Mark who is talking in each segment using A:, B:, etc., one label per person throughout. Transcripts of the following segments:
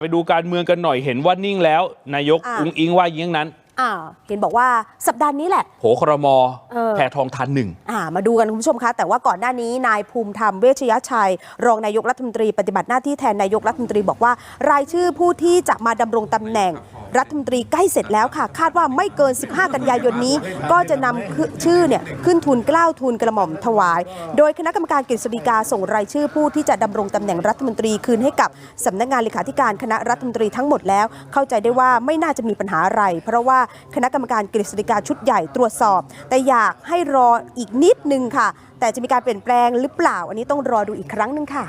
A: ไปดูการเมืองกันหน่อยเห็นว่านิ่งแล้วนายกอุ๊งอิ๊งว่าอย่างนั้น
B: เห็นบอกว่าสัปดาห์นี้แหละ
A: โผครม.แพทองธารหนึ่ง
B: มาดูกันคุณผู้ชมคะแต่ว่าก่อนหน้านี้นายภูมิธรรมเวชยชัยรองนายกรัฐมนตรีปฏิบัติหน้าที่แทนนายกรัฐมนตรีบอกว่ารายชื่อผู้ที่จะมาดำรงตำแหน่งรัฐมนตรีใกล้เสร็จแล้วค่ะคาดว่าไม่เกิน15กันยายนนี้ก็จะนำชื่อเนี่ยขึ้นทูลเกล้าทูลกระหม่อมถวายโดยคณะกรรมการกฤษฎีกาส่งรายชื่อผู้ที่จะดำรงตำแหน่งรัฐมนตรีคืนให้กับสำนักงานเลขาธิการคณะรัฐมนตรีทั้งหมดแล้วเข้าใจได้ว่าไม่น่าจะมีปัญหาอะไรเพราะว่าคณะกรรมการกฤษฎีกาชุดใหญ่ตรวจสอบแต่อยากให้รออีกนิดนึงค่ะแต่จะมีการเปลี่ยนแปลงหรือเปล่าอันนี้ต้องรอดูอีกครั้งนึงค่ะ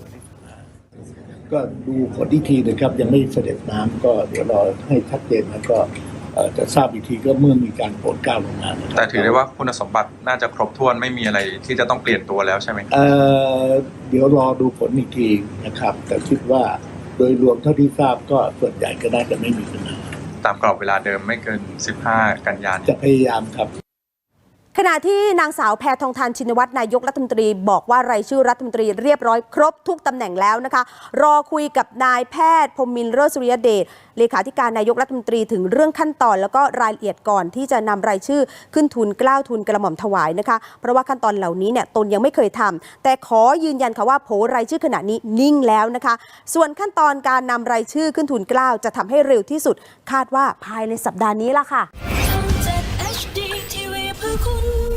C: ก็ดูผลอีกทีนะครับยังไม่เสด็จน้ำก็เดี๋ยวรอให้ชัดเจนแล้วก็จะทราบอีกทีก็เมื่อมีการโปรดเกล้าลงมา
D: แต่ถือได้ว่าคุณสมบัติน่าจะครบถ้วนไม่มีอะไรที่จะต้องเปลี่ยนตัวแล้วใช่ไหม
C: เดี๋ยวรอดูผลอีกทีนะครับแต่คิดว่าโดยรวมเท่าที่ทราบก็ส่วนใหญ่ก็น่าจะไม่มีปัญหา
D: ตามกรอบเวลาเดิมไม่เกิน15กันยายน
C: จะพยายามครับ
B: ขณะที่นางสาวแพทองธารชินวัตรนายกรัฐมนตรีบอกว่ารายชื่อรัฐมนตรีเรียบร้อยครบทุกตำแหน่งแล้วนะคะรอคุยกับนายแพทย์พรหมินทร์ เลิศสุริยเดชเลขาธิการนายกรัฐมนตรีถึงเรื่องขั้นตอนแล้วก็รายละเอียดก่อนที่จะนำรายชื่อขึ้นทูลเกล้าทูลกระหม่อมถวายนะคะเพราะว่าขั้นตอนเหล่านี้เนี่ยตนยังไม่เคยทำแต่ขอยืนยันค่ะว่าโผรายชื่อขณะนี้นิ่งแล้วนะคะส่วนขั้นตอนการนำรายชื่อขึ้นทูลเกล้าจะทำให้เร็วที่สุดคาดว่าภายในสัปดาห์นี้ล่ะค่ะ